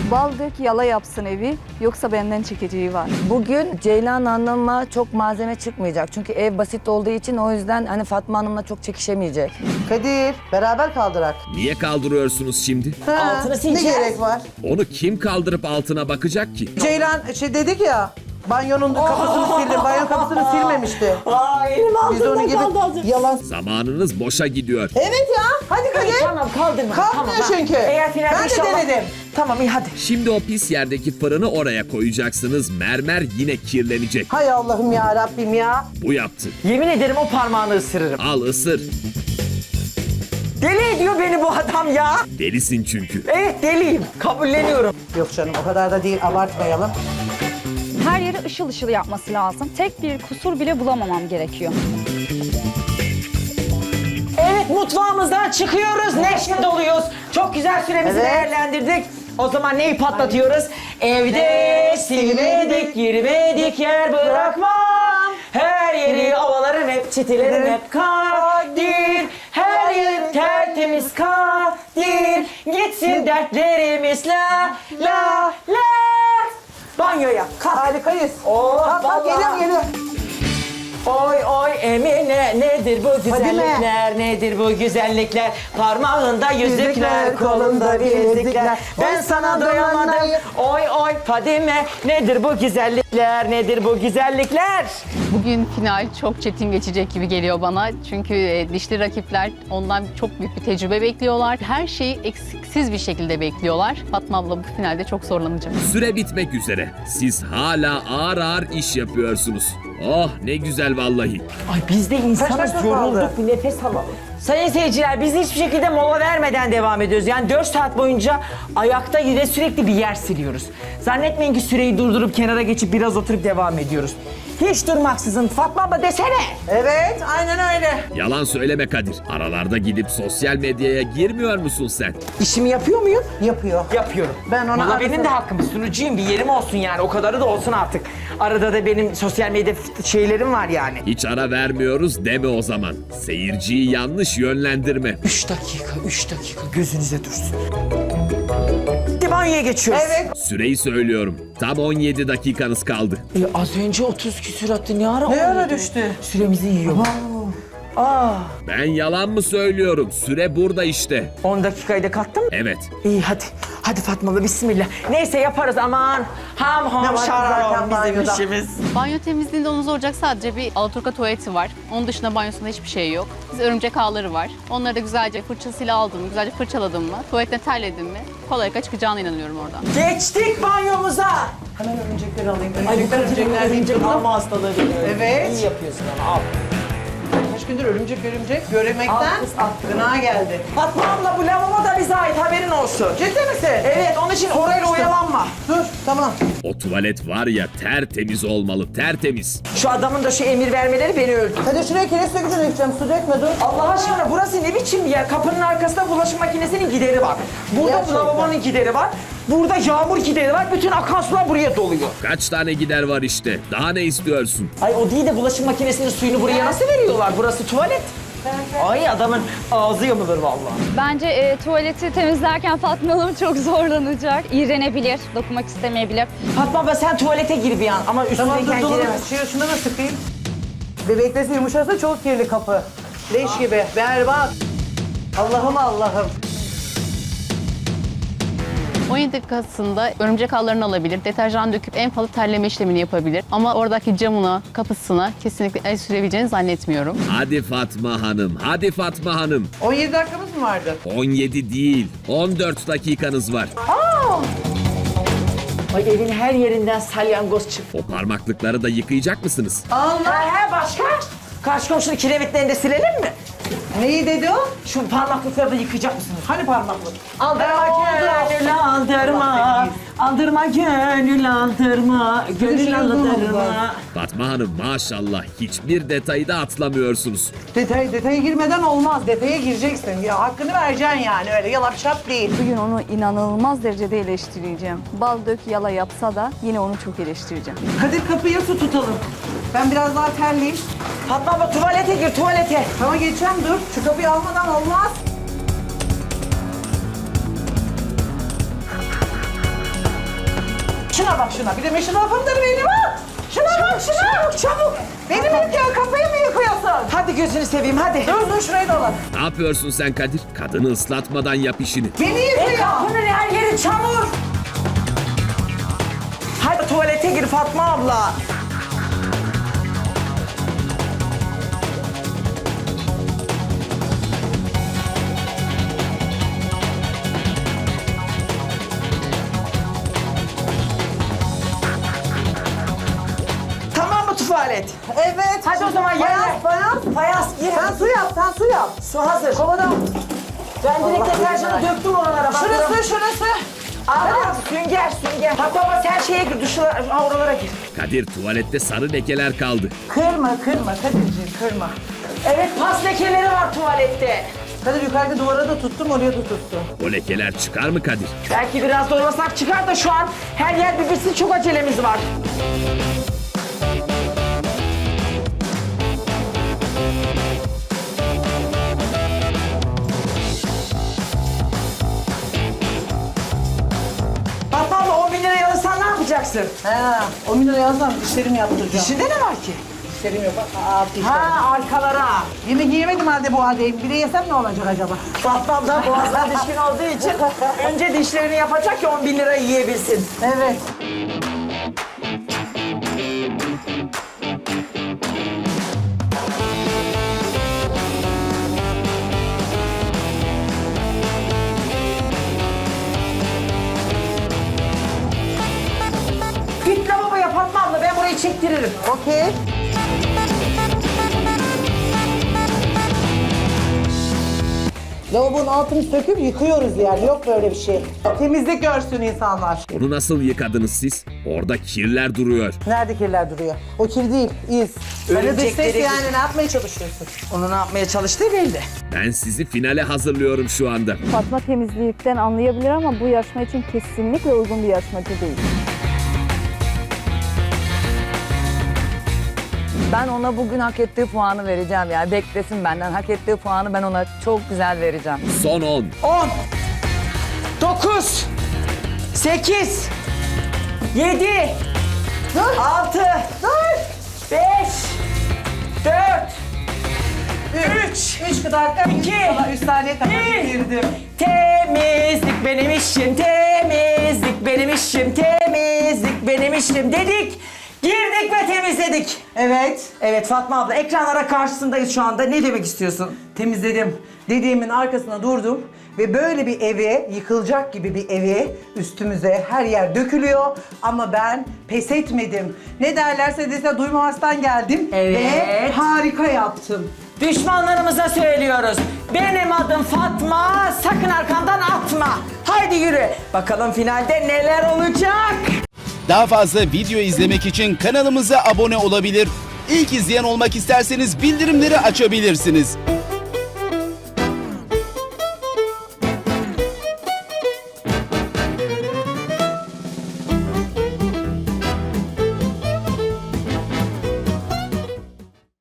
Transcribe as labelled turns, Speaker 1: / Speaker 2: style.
Speaker 1: Bal dök yala yapsın evi, yoksa benden çekeceği var.
Speaker 2: Bugün Ceylan Hanım'a çok malzeme çıkmayacak. Çünkü ev basit olduğu için o yüzden hani Fatma Hanım'la çok çekişemeyecek.
Speaker 3: Kadir, beraber kaldırak.
Speaker 4: Niye kaldırıyorsunuz şimdi?
Speaker 5: Altını sileceğiz.
Speaker 3: Ne gerek var?
Speaker 4: Onu kim kaldırıp altına bakacak ki?
Speaker 3: Ceylan dedik ya, banyonun kapısını sildim. Banyo kapısını silmemişti.
Speaker 5: Aa, elim
Speaker 3: Biz onun
Speaker 5: altından
Speaker 3: gibi
Speaker 5: kaldı azıcık.
Speaker 3: yalan.
Speaker 4: Zamanınız boşa gidiyor.
Speaker 3: Evet ya, hadi Kadir.
Speaker 5: Tamam kaldırma.
Speaker 3: Kalkmıyor
Speaker 5: tamam,
Speaker 3: çünkü.
Speaker 5: Eğer finalde
Speaker 3: Ben de
Speaker 5: inşallah...
Speaker 3: denedim.
Speaker 5: Tamam iyi hadi.
Speaker 4: Şimdi o pis yerdeki fırını oraya koyacaksınız. Mermer yine kirlenecek.
Speaker 3: Hay Allah'ım ya Rabbim ya.
Speaker 4: Bu yaptı.
Speaker 5: Yemin ederim o parmağını ısırırım.
Speaker 4: Al ısır.
Speaker 5: Deli ediyor beni bu adam ya.
Speaker 4: Delisin çünkü.
Speaker 5: Evet deliyim. Kabulleniyorum.
Speaker 3: Yok canım, o kadar da değil, abartmayalım.
Speaker 1: Her yeri ışıl ışıl yapması lazım. Tek bir kusur bile bulamamam gerekiyor.
Speaker 5: Evet mutfağımızdan çıkıyoruz. Neşe doluyuz. Çok güzel süremizi
Speaker 3: Evet.
Speaker 5: değerlendirdik. O zaman neyi patlatıyoruz? Evde silmedik, girmedik yer bırakmam. Her yeri ovalarım hep, çitilerim hep kadir. Her yer tertemiz kadir. Gitsin dertlerimiz la la la. Banyoya kalk.
Speaker 3: Harikayız.
Speaker 5: Oh,
Speaker 3: Kalk,
Speaker 5: vallahi.
Speaker 3: geliyorum, geliyorum.
Speaker 5: Oy oy Emine nedir bu güzellikler, nedir bu güzellikler? Parmağında yüzükler, kolunda bilezikler. Ben sana doyamadım. Oy oy Fadime nedir bu güzellikler, nedir bu güzellikler?
Speaker 6: Bugün final çok çetin geçecek gibi geliyor bana. Çünkü dişli rakipler ondan çok büyük bir tecrübe bekliyorlar. Her şeyi eksiksiz bir şekilde bekliyorlar. Fatma abla bu finalde çok zorlanacak.
Speaker 4: Süre bitmek üzere. Siz hala ağır ağır iş yapıyorsunuz. Oh ne güzel vallahi.
Speaker 5: Ay biz de insanız,
Speaker 3: dakika
Speaker 5: yorulduk,
Speaker 3: kaldı?
Speaker 5: bir nefes alalım. Sayın seyirciler biz hiçbir şekilde mola vermeden devam ediyoruz. Yani 4 saat boyunca ayakta yine sürekli bir yer siliyoruz. Zannetmeyin ki süreyi durdurup kenara geçip biraz oturup devam ediyoruz. Hiç durmaksızın Fatma abla desene.
Speaker 3: Evet, aynen öyle.
Speaker 4: Yalan söyleme Kadir. Aralarda gidip sosyal medyaya girmiyor musun sen?
Speaker 5: İşimi yapıyor muyum?
Speaker 3: Yapıyor.
Speaker 5: Yapıyorum.
Speaker 3: Ben ona
Speaker 5: Valla
Speaker 3: arada-
Speaker 5: benim de hakkım. Sunucuyum, bir yerim olsun yani. O kadarı da olsun artık. Arada da benim sosyal medya şeylerim var yani.
Speaker 4: Hiç ara vermiyoruz deme o zaman. Seyirciyi yanlış yönlendirme.
Speaker 5: 3 dakika gözünüze dursun. Hadi banyoya geçiyoruz.
Speaker 3: Evet.
Speaker 4: Süreyi söylüyorum. Tam 17 dakikanız kaldı.
Speaker 5: Az önce 30 küsür attı. Ne ara
Speaker 3: Ne ara
Speaker 5: 17?
Speaker 3: düştü?
Speaker 5: Süremizi yiyor.
Speaker 4: Ben yalan mı söylüyorum? Süre burada işte.
Speaker 5: 10 dakikayı da kattım.
Speaker 4: Evet.
Speaker 5: İyi hadi. Hadi Fatmalı bismillah. Neyse yaparız aman. Ham
Speaker 3: Ne
Speaker 5: ham
Speaker 3: var
Speaker 5: şararam
Speaker 3: zaten
Speaker 5: bizim
Speaker 3: banyoda?
Speaker 5: işimiz.
Speaker 6: Banyo temizliğinde onu zorlayacak sadece bir alaturka tuvaleti var. Onun dışında banyosunda hiçbir şey yok. Biz örümcek ağları var. Onları da güzelce fırçasıyla aldım, güzelce fırçaladım mı, tuvaletine terledim mi kolaylıkla çıkacağına inanıyorum oradan.
Speaker 5: Geçtik banyomuza.
Speaker 3: Hemen örümcekleri alayım.
Speaker 5: Ay bu
Speaker 3: Örümcekler
Speaker 5: örümcek alma hastalığı.
Speaker 3: Evet.
Speaker 5: İyi yapıyorsun ama al.
Speaker 3: Kaç gündür örümcek göremekten
Speaker 5: Al kız, al.
Speaker 3: gına geldi.
Speaker 5: Fatma abla bu lavabo da bize ait haberin olsun.
Speaker 3: Ciddi misin?
Speaker 5: Evet onun için orayla oyalanma.
Speaker 3: Dur, tamam.
Speaker 4: O tuvalet var ya tertemiz olmalı, tertemiz.
Speaker 5: Şu adamın da şu emir vermeleri beni öldü.
Speaker 3: Hadi şuraya kireç dökücü dökeceğim. Su dökme, dur.
Speaker 5: Allah aşkına burası ne biçim bir yer? Kapının arkasında bulaşık makinesinin gideri var. Burada
Speaker 3: Gerçekten.
Speaker 5: lavabonun gideri var. Burada yağmur gideri var. Bütün akan sular buraya doluyor.
Speaker 4: Kaç tane gider var işte. Daha ne istiyorsun?
Speaker 5: Ay o değil de bulaşık makinesinin suyunu buraya nasıl veriyorlar? Burası tuvalet. Ay adamın ağzı yamulur vallahi.
Speaker 1: Bence tuvaleti temizlerken Fatma Hanım çok zorlanacak. İğrenebilir, dokunmak istemeyebilir.
Speaker 5: Fatma abla sen tuvalete gir bir an ama
Speaker 3: Tamam, dur,
Speaker 5: üstündeyken
Speaker 3: dur.
Speaker 5: giremez.
Speaker 3: Şunu da sıkayım. Bebeklesi yumuşasa çok kirli kapı. Leş gibi, berbat. Allah'ım Allah'ım.
Speaker 6: 17 dakikasında örümcek ağlarını alabilir, deterjan döküp en fazla terleme işlemini yapabilir. Ama oradaki camına, kapısına kesinlikle el sürebileceğini zannetmiyorum.
Speaker 4: Hadi Fatma Hanım, hadi Fatma Hanım.
Speaker 3: 17 dakikamız mı vardı?
Speaker 4: 17 değil, 14 dakikanız var.
Speaker 5: Ay evin her yerinden salyangoz çıktı.
Speaker 4: O parmaklıkları da yıkayacak mısınız?
Speaker 3: Allah.
Speaker 5: He başka? Karşı komşunun kiremitlerini de silelim mi?
Speaker 3: Neyi dedi o?
Speaker 5: Şu parmaklıkları da yıkayacak mısınız?
Speaker 3: Hani parmaklık?
Speaker 5: Aldırma gönül aldırma, aldırma gönül aldırma, gönül aldırma.
Speaker 4: Fatma Hanım maşallah hiçbir detayı da atlamıyorsunuz.
Speaker 3: Detaya girmeden olmaz. Detaya gireceksin. Ya hakkını vereceksin yani. Öyle yalap şap değil.
Speaker 1: Bugün onu inanılmaz derecede eleştireceğim. Bal dök yala yapsa da yine onu çok eleştireceğim.
Speaker 3: Kadir kapıya su tutalım. Ben biraz daha terleyeyim.
Speaker 5: Fatma abla tuvalete gir tuvalete.
Speaker 3: Tamam geçeceğim, dur. Şu kapıyı almadan olmaz. Şuna bak şuna. Bir de meşhur lafımdır benim ha. Şuna bak şuna. Çabuk. Beni mi yıkıyor? Kafayı mı yıkıyorsun?
Speaker 5: Hadi gözünü seveyim hadi.
Speaker 3: Dur şurayı da alalım.
Speaker 4: Ne yapıyorsun sen Kadir? Kadını ıslatmadan yap işini.
Speaker 3: Beni yıkıyor.
Speaker 5: Kapının her yeri çamur. Hadi tuvalete gir Fatma abla. Tamam mı tuvalet?
Speaker 3: Evet.
Speaker 5: Hadi o zaman yerler. Fayans gir.
Speaker 3: Sen su yap, sen su yap.
Speaker 5: Su hazır.
Speaker 3: Kovada.
Speaker 5: Ben direkt
Speaker 3: Allah
Speaker 5: deterjanı
Speaker 3: Allah.
Speaker 5: döktüm oralara.
Speaker 3: Şurası.
Speaker 5: Aa, sünger. Fatma abla sen şeye gir, oralara gir.
Speaker 4: Kadir tuvalette sarı lekeler kaldı.
Speaker 3: Kırma Kadir'ciğim kırma.
Speaker 5: Evet, pas lekeleri var tuvalette.
Speaker 3: Kadir yukarıda duvara da tuttum, oraya da tuttum.
Speaker 4: O lekeler çıkar mı Kadir?
Speaker 5: Belki biraz doymasak çıkar da şu an her yer bir bitsin, çok acelemiz var. Fatma abla 10 bin lirayı alırsan ne yapacaksın?
Speaker 3: Ha, 10 bin lira yazsam dişlerimi yaptıracağım.
Speaker 5: İçinde ne var ki?
Speaker 3: Dişlerim yok. Dişlerim.
Speaker 5: Ha, arkalara.
Speaker 3: Yemek yiyemedim halde bu haldeyim. Bir de yesem ne olacak acaba?
Speaker 5: Fatma abla boğazına düşkün olduğu için önce dişlerini yapacak ki 10 bin lirayı yiyebilsin.
Speaker 3: Evet.
Speaker 5: Git lavaboya Fatma abla, ben burayı çektiririm.
Speaker 3: Okey. Lavabonun altını söküp yıkıyoruz yani. Yok böyle bir şey. Temizlik görsün insanlar.
Speaker 4: Onu nasıl yıkadınız siz? Orada kirler duruyor.
Speaker 3: Nerede kirler duruyor? O kir değil, iz. Öyle dış ses
Speaker 5: Örümcekleri-
Speaker 3: yani ne yapmaya çalışıyorsun?
Speaker 5: Onu ne yapmaya çalıştığı belli.
Speaker 4: Ben sizi finale hazırlıyorum şu anda.
Speaker 7: Fatma temizlikten anlayabilir ama bu yarışma için kesinlikle uygun bir yarışmacı değil.
Speaker 2: Ben ona bugün hak ettiği puanı vereceğim yani. Beklesin benden. Hak ettiği puanı ben ona çok güzel vereceğim.
Speaker 4: Son 10.
Speaker 5: 10, 9, 8, 7, 6, 5, 4,
Speaker 3: 3 dakika,
Speaker 5: 2,
Speaker 3: 3 saniye kadar
Speaker 5: bir.
Speaker 3: girdim.
Speaker 5: temizlik benim işim, temizlik benim işim, temizlik benim işim dedik. Girdik ve temizledik.
Speaker 3: Evet,
Speaker 5: Evet Fatma abla, ekranlara karşısındayız şu anda. Ne demek istiyorsun?
Speaker 3: temizledim. Dediğimin arkasına durdum ve böyle bir eve, yıkılacak gibi bir eve üstümüze her yer dökülüyor ama ben pes etmedim. Ne derlerse dese duymamazdan geldim ve
Speaker 5: Evet.
Speaker 3: harika yaptım.
Speaker 5: Düşmanlarımıza söylüyoruz. Benim adım Fatma, sakın arkamdan atma. Haydi yürü. Bakalım finalde neler olacak?
Speaker 8: Daha fazla video izlemek için kanalımıza abone olabilir. İlk izleyen olmak isterseniz bildirimleri açabilirsiniz.